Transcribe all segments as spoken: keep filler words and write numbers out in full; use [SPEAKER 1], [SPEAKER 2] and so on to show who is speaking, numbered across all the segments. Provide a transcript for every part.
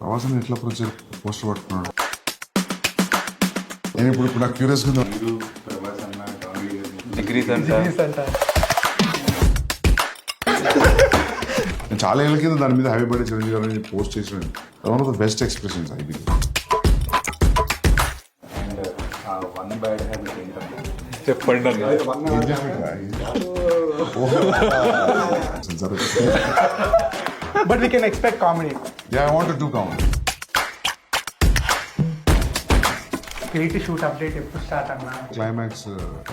[SPEAKER 1] ప్రవాసాన్ని ఎట్లా project poster పట్టుకున్నాడు. నేను ఇప్పుడు ఇప్పుడు నాకు క్యూరియస్గా ఉందా
[SPEAKER 2] డిగ్రీస్ అంట
[SPEAKER 1] నేను చాలా ఏళ్ళ కింద దాని మీద హ్యాపీ బర్త్డే చిరంజీవి గారు అని పోస్ట్ చేసిన one of the best expressions I believe.
[SPEAKER 2] చెప్పండి
[SPEAKER 3] But we can expect comedy.
[SPEAKER 1] Yeah, I want to do comedy.
[SPEAKER 3] Creative shoot update ఎప్పుడు స్టార్ట్ అన్నా?
[SPEAKER 1] క్లైమాక్స్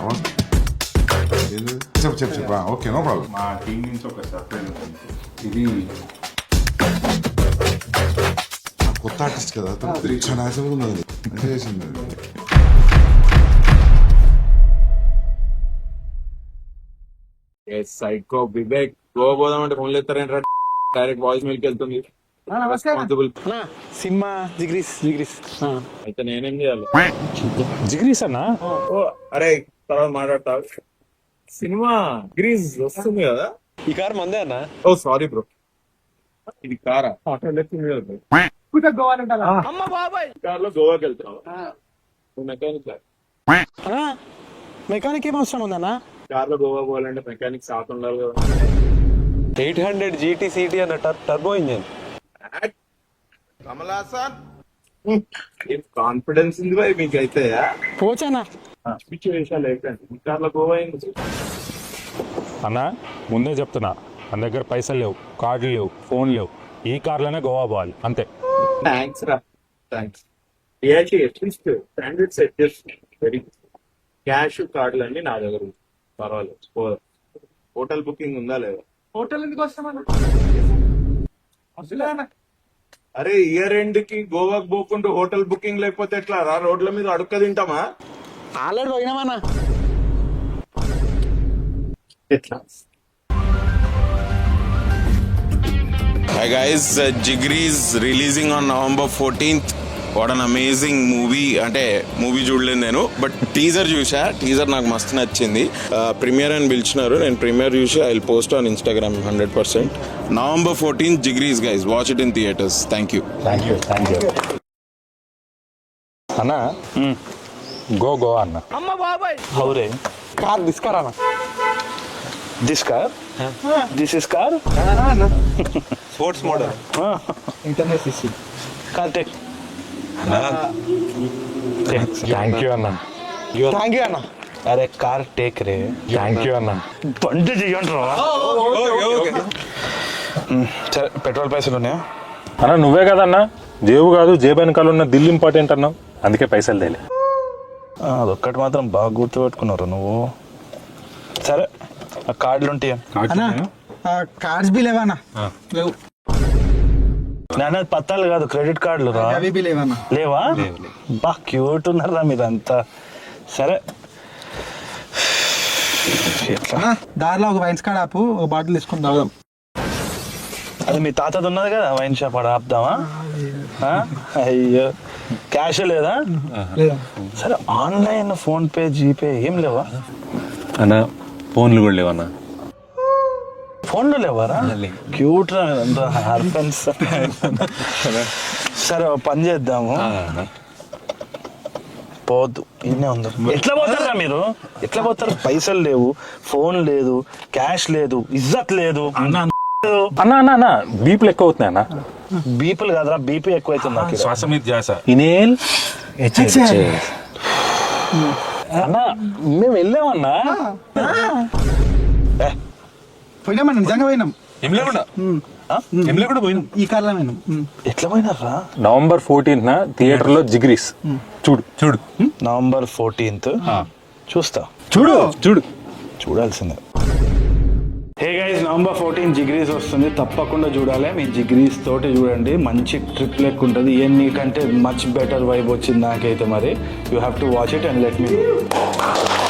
[SPEAKER 1] చెప్పు చెప్పు చెప్పు ఓకే నో ప్రాబ్లం.
[SPEAKER 2] మా టీం నుంచి ఒక సర్ప్రైజ్ ఉంటుంది. ఇది
[SPEAKER 1] కొత్త ఆర్టిస్ట్ కదా చాలా ఆశ ఉంది అది మంచిగా చేసింది.
[SPEAKER 2] సైకో వివేక్ గోవా పోదాం అంటే ఫోన్లు ఎత్తారేంట్రా, డైరెక్ట్ వాయిస్ మెయిల్కి వెళ్తుంది.
[SPEAKER 3] సినిమా జిగ్రీస్ జిగ్రీస్
[SPEAKER 2] అయితే నేనేం చేయాలి?
[SPEAKER 4] జిగ్రీస్ అన్నా
[SPEAKER 2] ఓ అరే తర్వాత మాట్లాడతా. సినిమా గ్రీజ్ వస్తుంది కదా.
[SPEAKER 4] ఈ కార్ మందే అన్నా.
[SPEAKER 2] ఓ సారీ బ్రో, ఇది కారా? ఆటో లెక్కింది కదా bro.
[SPEAKER 3] గోవా ఉంటారా?
[SPEAKER 2] కార్ లో గోవాకి వెళ్తావు మెకానిక్.
[SPEAKER 3] మెకానిక్ ఏం అవసరం ఉందన్నా?
[SPEAKER 2] కార్ లో గోవా పోవాలంటే మెకానిక్ సాత్ ఉండాలి కదా.
[SPEAKER 4] ఎయిట్ హండ్రెడ్ జీటీ సిటీ అన్న టర్బో ఇంజన్.
[SPEAKER 2] కాన్ఫిడెన్స్ ఉంది భయ్ మీకైతే.
[SPEAKER 3] పోచానా
[SPEAKER 2] పిచ్చి వేషాలు ఏంటంటే కార్ లో గోవా అయింది
[SPEAKER 4] అన్నా. ముందే చెప్తున్నా, మన దగ్గర పైసలు లేవు, కార్డులు లేవు, ఫోన్ లేవు. ఈ కార్లోనే గోవా పోవాలి అంతే.
[SPEAKER 2] థ్యాంక్స్ రా thanks. React at least standard set చేస్తుంది. వెరీ క్యాష్ కార్డులు అన్ని నా దగ్గర ఉంది, పర్వాలేదు. హోటల్ బుకింగ్ ఉందా లేదా?
[SPEAKER 3] హోటల్ ఎందుకు వస్తామన్నా?
[SPEAKER 2] అరే ఇయర్ ఎండ్ కి గోవాకి పోకుండా హోటల్ బుకింగ్ లేకపోతే ఎట్లా రా? రోడ్ల మీద అడుక్క తింటామా?
[SPEAKER 3] ఆల్రెడీ పోయినామన్నా.
[SPEAKER 2] ఎట్లా?
[SPEAKER 5] Hi guys, uh, Jigri is releasing on November fourteenth. What an amazing movie. అంటే మూవీ చూడలేదు నేను, బట్ టీజర్ చూసా. టీజర్ నాకు మస్తు నచ్చింది. ప్రీమియర్ అని పిలిచినారు, నేను ప్రీమియర్ చూసి I will post on Instagram hundred percent. November fourteenth Jigris guys, watch it in theatres. Thank you
[SPEAKER 4] thank you thank you అన్నా. గో గో అన్న.
[SPEAKER 3] హౌరే కార్ దిస్కార్ అన్న.
[SPEAKER 4] This car this is car
[SPEAKER 2] sports model
[SPEAKER 3] internet CC
[SPEAKER 4] car take. Thank you అన్న.
[SPEAKER 3] Thank you అన్న.
[SPEAKER 4] అరే car take రే. Thank you అన్న. బండి చెయ్యండి రా. సరే పెట్రోల్ పైసలు ఉన్నాయా అన్న? నువ్వే కదన్నా, జేబు కాదు జేబు వెనకాల ఉన్న దిల్ ఇంపార్టెంట్ అన్నావు, అందుకే పైసలు తేలే. అదొక్కటి మాత్రం బాగా గుర్తుపెట్టుకున్నారు నువ్వు. సరే ఆ కార్డులు ఉంటాయా?
[SPEAKER 3] కార్డ్స్ బి లేవన్నా? లేవు.
[SPEAKER 4] నాన్న పత్తాలు కాదు, క్రెడిట్ కార్డులు రా.
[SPEAKER 3] అవి బి లేవన్నా?
[SPEAKER 4] లేవా? బా క్యూట్ ఉన్నారా మీరంతా. సరే
[SPEAKER 3] దారిలో ఒక వైన్స్ కార్డ్ ఆపు, ఒక బాటిల్ తీసుకుని తాగుదాం.
[SPEAKER 4] అది మీ తాతది ఉన్నది కదా వైన్ షాప్, ఆడ ఆపుదామా? అయ్యో క్యాష్ లేదా? సరే ఆన్లైన్ ఫోన్ పే జీపే ఏం లేవా
[SPEAKER 6] అన్న? ఫోన్లు కూడా లేవన్నా.
[SPEAKER 4] ఫోన్లో లేవారా? క్యూట్ రా మీరంతా హర్ఫెన్స్. సరే పని చేద్దాము, పోద్దు ఇన్నే ఉంది. ఎట్లా పోతారా మీరు? ఎట్లా పోతారు? పైసలు లేవు, ఫోన్ లేదు, క్యాష్ లేదు, ఇజ్జత్ లేదు. అన్న అన్న అన్న బీపీలు ఎక్కువ అవుతున్నాయి అన్న. బీపీలు కాదురా, బీపీ ఎక్కువ అవుతుంది.
[SPEAKER 6] శ్వాస మీద ధ్యాస.
[SPEAKER 4] ఇనేల్ అన్న మేము వెళ్ళామన్నా.
[SPEAKER 3] పోయినామన్నా, నిజంగా పోయినాం.
[SPEAKER 6] ఏం లేకుండా ఏం లేకుండా పోయినాం.
[SPEAKER 3] ఈ కార్లో పోయినాం.
[SPEAKER 4] ఎట్లా పోయినారా?
[SPEAKER 6] నవంబర్ ఫోర్టీన్త్ న థియేటర్ లో జిగ్రీస్. చూడు చూడు
[SPEAKER 4] నవంబర్ ఫోర్టీన్త్ చూస్తా.
[SPEAKER 6] చూడు చూడు
[SPEAKER 4] చూడాల్సిందే. Hey guys, November fourteen Jigris వస్తుంది, తప్పకుండా చూడాలి. మీ జిగ్రీస్ తోటి చూడండి, మంచి ట్రిప్ లెక్క ఉంటుంది. ఎన్ని కంటే మచ్ బెటర్ వైబ్ వచ్చింది నాకైతే. మరి you have to watch it and let me